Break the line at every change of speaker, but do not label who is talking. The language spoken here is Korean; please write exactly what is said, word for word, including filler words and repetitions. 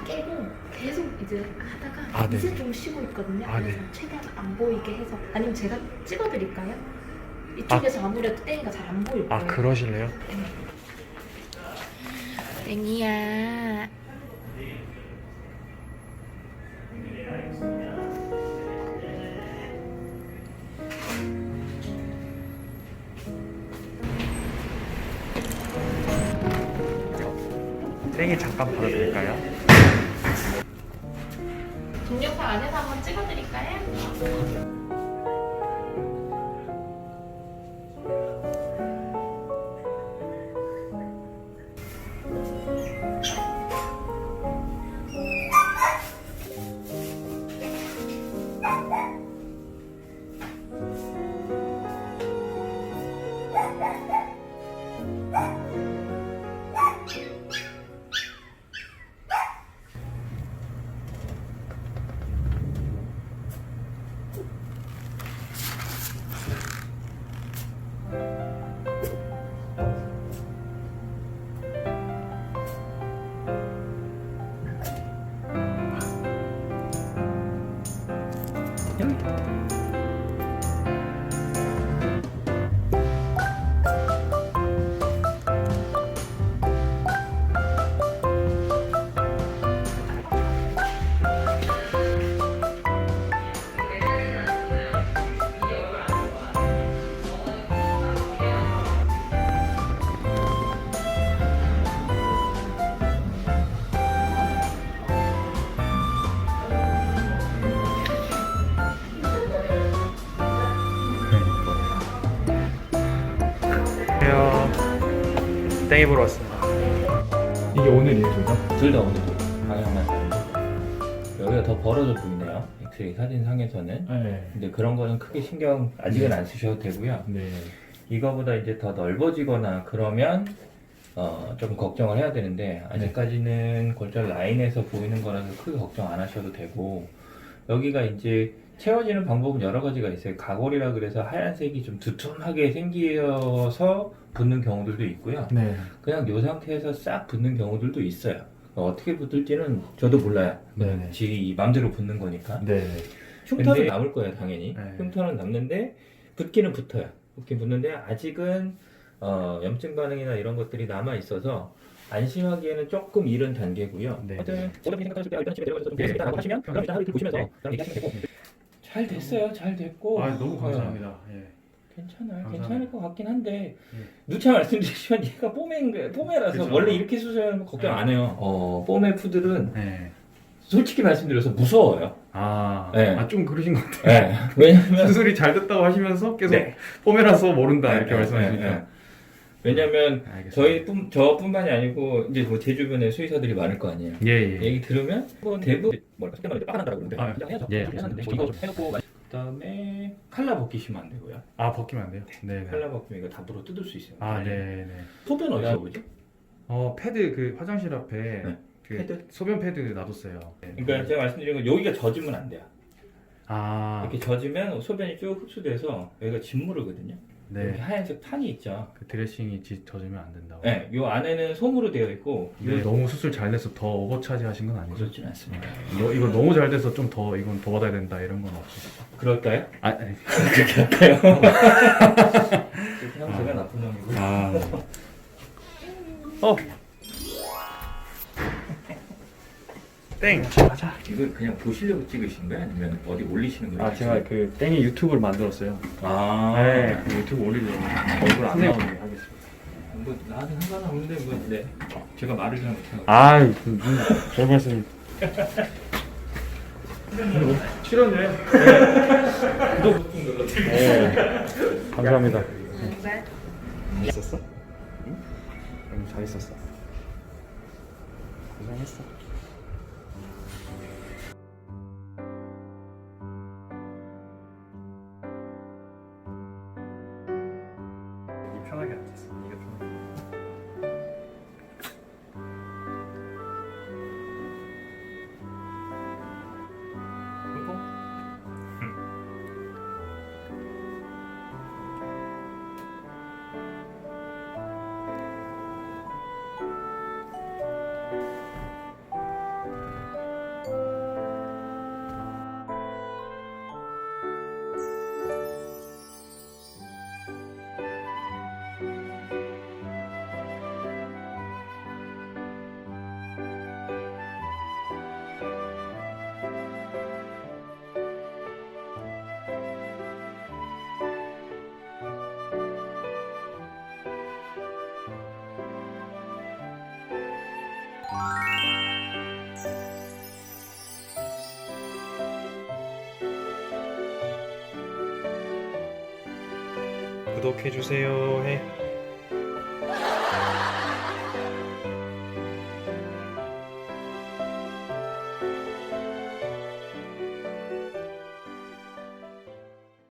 깨고 계속 이제 하다가
아,
이제
네.
좀 쉬고 있거든요.
아,
그래서
네.
최대한 안 보이게 해서 아니면 제가 찍어드릴까요? 이쪽에서 아. 무래도 땡이가 잘 안 보일 거예요.
아, 그러실래요?
땡이야.
땡이 잠깐 봐도 될까요?
동영상 안에서 한번 찍어드릴까요?
안녕하세요. 땡이 보러 왔습니다. 이게 오늘이에요, 둘 다?
둘 다 오늘 방향만 다르고 여기가 더 벌어져 보이네요. 엑스레이 사진상에서는.
네.
근데 그런 거는 크게 신경 아직은 안 쓰셔도 되고요.
네.
이거보다 이제 더 넓어지거나 그러면 어, 좀 걱정을 해야 되는데 아직까지는 골절 라인에서 보이는 거라서 크게 걱정 안 하셔도 되고, 여기가 이제 채워지는 방법은 여러 가지가 있어요. 가골이라 그래서 하얀색이 좀 두툼하게 생겨서 붙는 경우들도 있고요.
네.
그냥 이 상태에서 싹 붙는 경우들도 있어요. 어떻게 붙을지는 저도 몰라요.
네네.
지 맘대로 붙는 거니까.
네.
흉터는
근데-
남을 거예요, 당연히.
네.
흉터는 남는데 붙기는 붙어요. 붙긴 붙는데 아직은 어, 염증 반응이나 이런 것들이 남아 있어서 안심하기에는 조금 이른 단계고요.
네.
하여튼 오답이 생각하실 때 일단 집에 데려가서 좀 되겠다라고 하시면 그럼 일단 하루 이틀 보시면서 그럼 얘기하시면 되고. 잘 됐어요, 잘 됐고.
아, 너무
어,
감사합니다. 예.
괜찮아요.
감사합니다.
괜찮을 것 같긴 한데
예.
누차 말씀드리지만 얘가 뽀메인 거예요. 뽀메라서
그쵸.
원래 이렇게 수술하면 걱정 안 해요. 어, 뽀메 푸들은
네.
솔직히 말씀드려서 무서워요.
아,
네.
아, 좀 그러신 것 같아요.
네. 왜냐면
수술이 잘 됐다고 하시면서 계속
네.
폼이라서 모른다 이렇게
네,
말씀하시니까.
네, 네. 왜냐면
알겠습니다.
저희뿐 저뿐만이 아니고 이제 뭐 제 주변에 수의사들이 많을 거 아니에요.
예, 예.
얘기 들으면 뭐 대부분 뭐랄까 속된 말로 빠간다라고 그러는데
아,
그냥 해야죠.
예,
그렇게 해놨는데 뭐 이거 좀 해놓고 그다음에 칼라 벗기시면 안 되고요.
아, 벗기면 안 돼요? 네. 네.
칼라 벗기면 이거 다 물어 뜯을 수 있어요.
아, 네, 네.
소변 어디서 보죠?
어, 패드 그 화장실 앞에
네.
그
패드?
소변 패드 놔뒀어요. 네.
그러니까 제가 말씀드린 건 여기가 젖으면 안 돼요.
아,
이렇게 젖으면 소변이 쭉 흡수돼서 여기가 진물이거든요. 이렇게
네.
하얀색 판이 있죠.
그 드레싱이 지- 젖으면 안 된다고.
네, 요 안에는 솜으로 되어 있고
이거
요
너무 수술 잘 돼서 더 오버차지 하신 건 아니죠?
그렇진 않습니다.
너, 이거 너무 잘 돼서 좀 더 이건 더 받아야 된다 이런 건 없으시죠?
그럴까요?
아, 아니.
그렇게 할까요? 그냥 제가 나쁜 놈이고.
아. 어. 땡. 가자.
이걸 그냥 보시려고 찍으신 거예요? 아니면 어디 올리시는 거예요?
아, 제가 그 땡이 유튜브를 만들었어요.
아,
네, 그 유튜브 올리려고 얼굴 안 나오게 하겠습니다.
뭐 나한테 상관없는데 뭐 네. 제가 말을 잘 못해요.
아, 별 말씀. 출연료요? 구독 좀 눌러주세요. 네. 감사합니다. 있었어? 응? 응, 잘 있었어. 고생했어. 여기 편하게 앉았어. 이게 편하게. 뽀뽀. 구독해주세요 해.